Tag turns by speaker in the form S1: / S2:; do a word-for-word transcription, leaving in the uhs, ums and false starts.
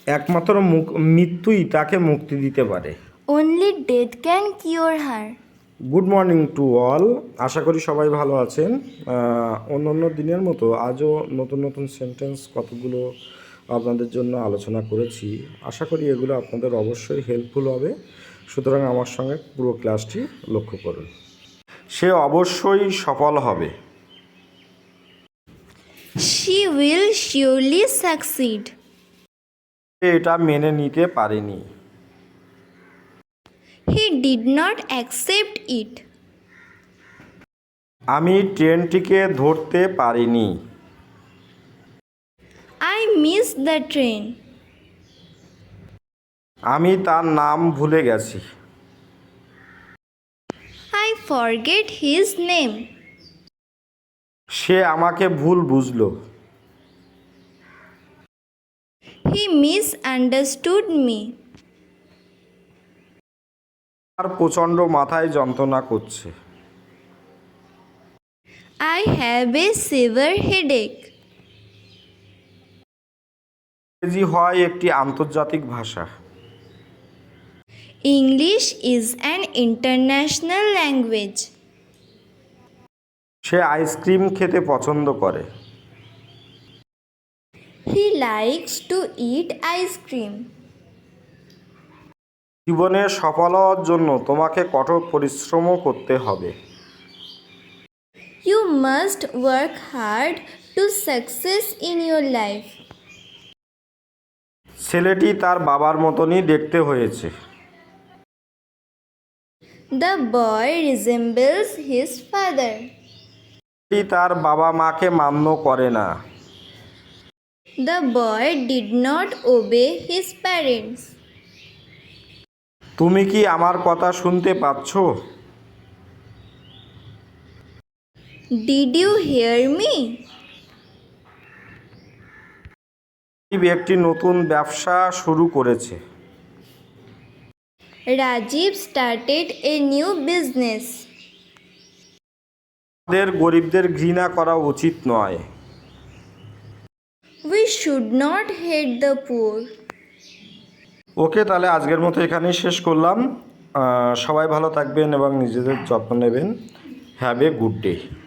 S1: একমাত্র মৃত্যুই তাকে মুক্তি দিতে পারে।
S2: Only death can cure her.
S1: Good morning to all, আশা করি সবাই ভালো আছেন। অন্য অন্য দিনের মতো আজও নতুন নতুন সেন্টেন্স কতগুলো আপনাদের জন্য আলোচনা করেছি। আশা করি এগুলো আপনাদের অবশ্যই হেল্পফুল হবে, সুতরাং আমার সঙ্গে পুরো ক্লাসটি লক্ষ্য করুন। সে অবশ্যই সফল হবে।
S2: She will surely succeed.
S1: সে এটা মেনে নিতে পারেনি।
S2: He did not accept it.
S1: আমি ট্রেনটিকে ধরতে পারিনি।
S2: I missed the train.
S1: আমি তার নাম ভুলে গেছি।
S2: I forget his name.
S1: সে আমাকে ভুল বুঝলো।
S2: He misunderstood me.
S1: আর প্রচণ্ড মাথায় যন্ত্রণা করছে।
S2: I have a severe headache.
S1: ইংরেজি হয় একটি আন্তর্জাতিক ভাষা।
S2: English is an international language.
S1: সে আইসক্রিম খেতে পছন্দ করে।
S2: He likes to eat ice cream.
S1: জীবনে সফল হওয়ার জন্য তোমাকে কঠোর পরিশ্রমও করতে হবে।
S2: You must work hard to success in your life.
S1: ছেলেটি তার বাবার মতনই দেখতে হয়েছে।
S2: The boy resembles his father.
S1: ছেলেটি তার বাবা মাকে মান্য করে না।
S2: The boy did not obey his parents.
S1: তুমি কি আমার কথা শুনতে পাচ্ছ?
S2: Did you hear me?
S1: একটি নতুন ব্যবসা শুরু করেছে।
S2: Rajiv started a new business.
S1: আমাদের গরিবদের ঘৃণা করা উচিত নয়।
S2: We should not hate the poor.
S1: ওকে, তাহলে আজকের মতো এখানেই শেষ করলাম। সবাই ভালো থাকবেন এবং নিজেদের যত্ন নেবেন। Have a good day.